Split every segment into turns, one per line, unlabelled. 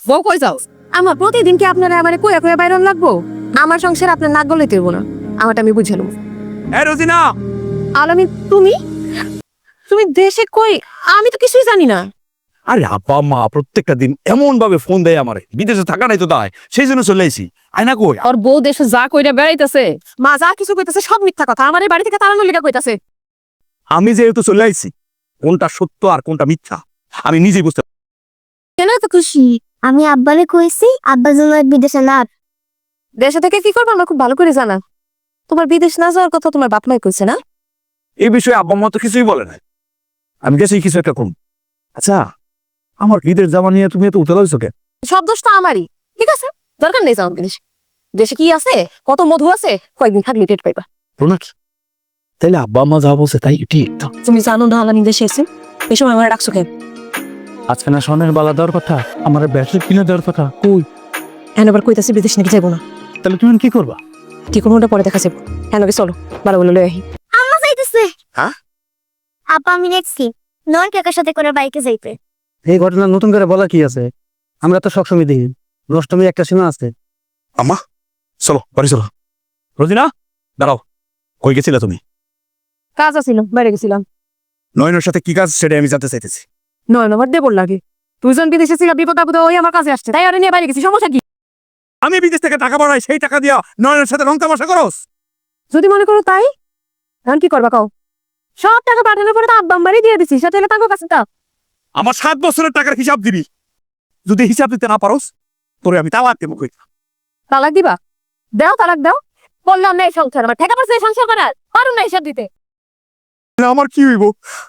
বউ কই যাও? আমার প্রতিদিন কি আপনারা আমারে কইয়া কইয়া বাইরন লাগবো? আমার সংসার আপনার নাক গলাইতে হইব না, আমারটা আমি বুঝালাম।
হ্যাঁ রোজিনা,
আলামিন, তুমি তুমি দেশে কই? আমি তো কিছুই জানি না।
আরে আব্বা মা প্রত্যেকটা দিন এমন ভাবে ফোন দেয় আমারে, বিদেশে থাকা নাই তো তাই, সেই জন্য চলে আইছি। আয়না কই?
আর বউ দেশে যা কইরা বেড়াইতেছে, মা যা কিছু কইতাছে সব মিথ্যা কথা। আমার এই বাড়ি থেকে তাড়ানোর লিগা কইতাছে।
আমি যেহেতু চলে আইছি, কোনটা সত্য আর কোনটা মিথ্যা আমি নিজেই বুঝতে
কেন এত খুশি? আমি আব্বারে কইছি আব্বা যেন আর বিদেশে না।
দেশে থেকে কি করবো আমার খুব ভালো করে জানা। তোমার বিদেশ না যাওয়ার কথা তোমার বাপ মাই কইছে না?
এই বিষয়ে আব্বা মা তো কিছুই বলে না। আমি দেশেই কিছু একটা করব। আচ্ছা, আমার বিদেশ যাওয়া নিয়ে তুমি এত উতলা হইছো কেন?
সব দোষ তো আমারই। ঠিক আছে, দরকার নেই যাওয়ার বিদেশে। দেশে কি আছে, কত মধু আছে, কয়েকদিন থাকলে টের পাইবা।
রোনাক, তাইলে আব্বা মা যা বলছে তাই ঠিক তো?
তুমি জানো না আলামিন দেশে এসে? এই সময় আমার ডাকছো কেন?
আজকে না স্বর্ণের বালা দেওয়ার কথা, আমার ব্যাটারি কিনে দেওয়ার কথা, কই?
এখন আবার কইতাছি বিদেশ নাকি যাবো না।
তাহলে তুমি কি করবা?
কি কোনো ওটা পরে দেখা যাবো। হ্যাঁ নাকি চলো, ভালো বলে লই আহি।
আম্মা যাইতেছে।
হ্যাঁ?
আপা আমি দেখছি নয় কাকার সাথে করে বাইকে যাইতে।
এই ঘটনা নতুন করে বলা কি আছে? আমরা তো সবসময় দেখি নষ্টমী একটা সীমা আছে।
আম্মা চলো বাড়ি চলো। রোজিনা দাঁড়াও, কই গেছিলে তুমি?
কাজ আছিল, বাইরে গেছিলাম।
নয়নের সাথে কি কাজ সেটা আমি জানতে চাইতেছি।
নয় নম্বর দেবর লাগে। দুইজন বিদেশে ছিল, বিপদ আপদ ওই আমার কাছে আসছে, তাই আরে নিয়ে বাইরে গেছি। সমস্যা কি?
আমি বিদেশ থেকে টাকা পাঠাই, সেই টাকা দিয়া নয়নের সাথে রং তামাশা করস?
যদি মনে করো তাই, এখন কি করবা কও? সব টাকা পাঠানোর পরে তো আব্বা আম্মারই দিয়ে দিছি, সেটা হলে তাঙ্গো কাছে দাও।
আমার 7 বছরের টাকার হিসাব দিবি। যদি হিসাব দিতে না পারোস, তোরে আমি তালাক দেবো। কই
তালাক দিবা? দাও, তালাক দাও। বললাম না এই সংসার আমার ঠেকা পড়ছে, এই সংসার করার পারুন না হিসাব দিতে।
আমার কি হইব?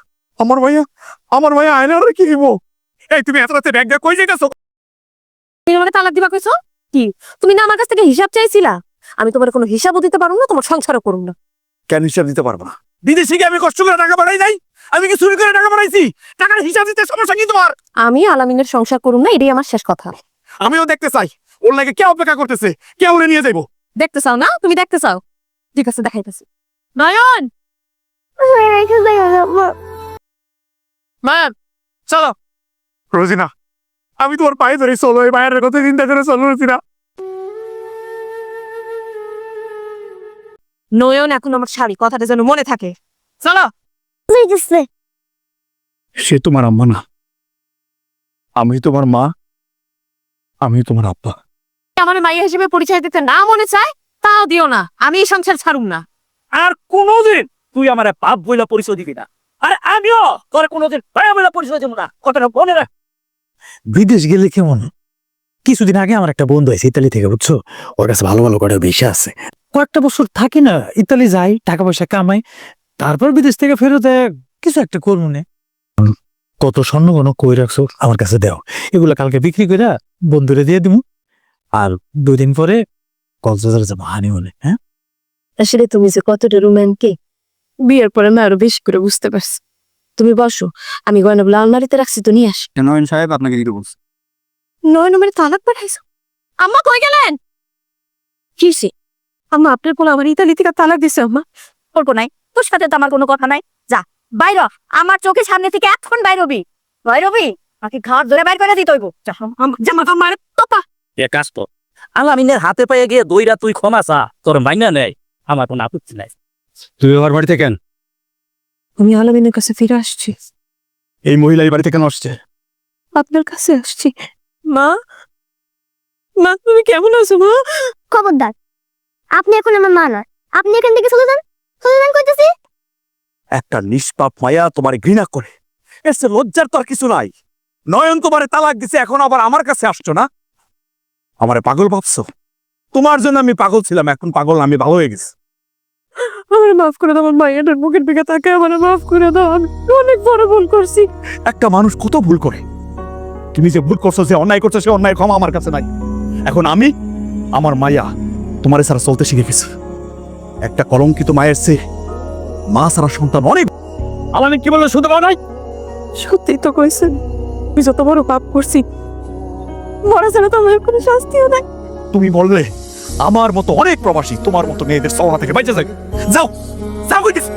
আমার ভাইয়া আয়নার কি হইব? এই তুমি এত রাতে ব্যাগ দিয়ে কই যাইতাছো?
তুমি আমাকে তালাক দিবা কইছো? কি তুমি না আমার কাছ থেকে হিসাব চাইছিলা? আমি তোমার কোনো হিসাবও দিতে পারুম না, তোমার সংসারও করুম না।
কেন হিসাব দিতে পারবো না? বিদেশে কি আমি কষ্ট করে টাকা পাঠাই নাই? আমি কি চুরি করে টাকা পাঠাইছি? টাকার হিসাব দিতে সমস্যা কি তোমার?
আমি আলামিনের সংসার করুম না, এটাই আমার শেষ কথা।
আমিও দেখতে চাই ওর লাগে কে অপেক্ষা করতেছে, কে ওরে নিয়ে যাইবো।
দেখতে চাও না? তুমি দেখতে চাও, ঠিক আছে দেখাইতেছি। নয়ন, নয়ন চলো।
রোজিনা, আমি তোমার পায়ে ধরে চলো, এই মায়ের কথা চিন্তা করে চলো রোজিনা।
নয়ন এখন আমার শাড়ি, কথাটা যেন মনে থাকে। চলো।
যাইতেছে।
সে তোমার আম্মা না, আমি তোমার মা, আমি তোমার আব্বা।
আমার মাইয়া হিসেবে পরিচয় দিতে না মনে চায়, তাও দিও না। আমি এই সংসার ছাড়ুম না।
আর কোনোদিন তুই আমার বাপ বইলা পরিচয় দিবি না, আর আমিও তোর কোনোদিন ভাইয়া বইলা পরিচয় দেবো না। কথাটা মনে রাখ।
বিদেশ গেলে কেমন? কিছুদিন আগে আমার একটা বন্ধু আছে ইতালি থেকে, বুঝছো? ওর কাছে ভালো ভালো করে ভিসা আছে। কয়েকটা বছর থাকি না, ইতালি যাই, টাকা পয়সা কামাই, তারপর বিদেশ থেকে ফেরত কিছু একটা করবো না। কত স্বর্ণ কোনো কই রাখছো আমার কাছে দাও, এগুলো কালকে বিক্রি করে বন্ধুরে দিয়ে দিমু। আর 2 দিন পরে কক্সবাজার যাবো হানিমুনে। হ্যাঁ,
আসলে তুমি যে কতটা রোমান্টিক, বিয়ের পরে না আরো বেশি করে বুঝতে পারছি। তুমি বসো, আমি গয়নাগুলো আলমারিতে রাখছি, তো নিয়ে আস।
নয়ন সাহেব আপনাকে দিতে বলছে।
নয় নম্বরে তালাক পাঠাইছো? আম্মা কই গেলেন? কিসে? আম্মা আপনার পোলা আমার ইতালি থেকে তালাক দিছে। আম্মা
করবো নাই, তোর সাথে তো আমার কোনো কথা নাই। যা বাইর হ, আমার চোখের সামনে থেকে এখন বাইরবি। বাইরবি নাকি ঘাট ধরে বাইর করে দিতে হইব?
জামা আমার তোপা।
এ কাজ তো আলামিনের হাতে পায়ে গিয়ে দইরা তুই ক্ষমা চা, তোর মাইনা নেই, আমার কোনো আপত্তি নাই।
তুই আমার বাড়িতে কেন?
আমি আলামিনের কাছে ফিরে আসছি।
এই মহিলা এই বাড়িতে কেন আসছে?
আপনার কাছে আসছি। মা, মা তুমি কেমন আছো মা?
খবরদার, আপনি এখন আমার মা নয়। আপনি এখান থেকে চলে যান, চলে যান কইতেছি।
একটা নিষ্পাপ মায়া তোমার ঘৃণা করে, এসে লজ্জার তো আর কিছু নাই। নয়ন তোমারে তালাক দিছে, এখন আবার আমার কাছে আসছো না? আমারে পাগল ভাবছো? তোমার জন্য আমি পাগল ছিলাম, এখন পাগল আমি ভালো হয়ে গেছি।
আমার মাফ করে দাও, আমার মায়ের মুখের দিকে তাকে আমার মাফ করে দাও। আমি অনেক বড় ভুল করছি।
একটা মানুষ কত ভুল করে, তুমি যে ভুল করছো, যে অন্যায় করছো, সে অন্যায় ক্ষমা আমার কাছে নাই। এখন আমি, আমার মায়া তোমারে ছাড়া চলতে শিখে গেছে। একটা কলঙ্কিত মায়ের চেয়ে মা ছাড়া সন্তান অনেক।
আলামিন কি বললো শুনতে পাও নাই?
সত্যি তো কইছেন, আমি যত বড় পাপ করছি, মরা ছাড়া তো আমার কোনো শাস্তিও নাই।
তুমি বললে আমার মতো অনেক প্রবাসী তোমার মতো মেয়েদের সওয়া থেকে বাইচে যাবে। যাও যাও কইতেছি।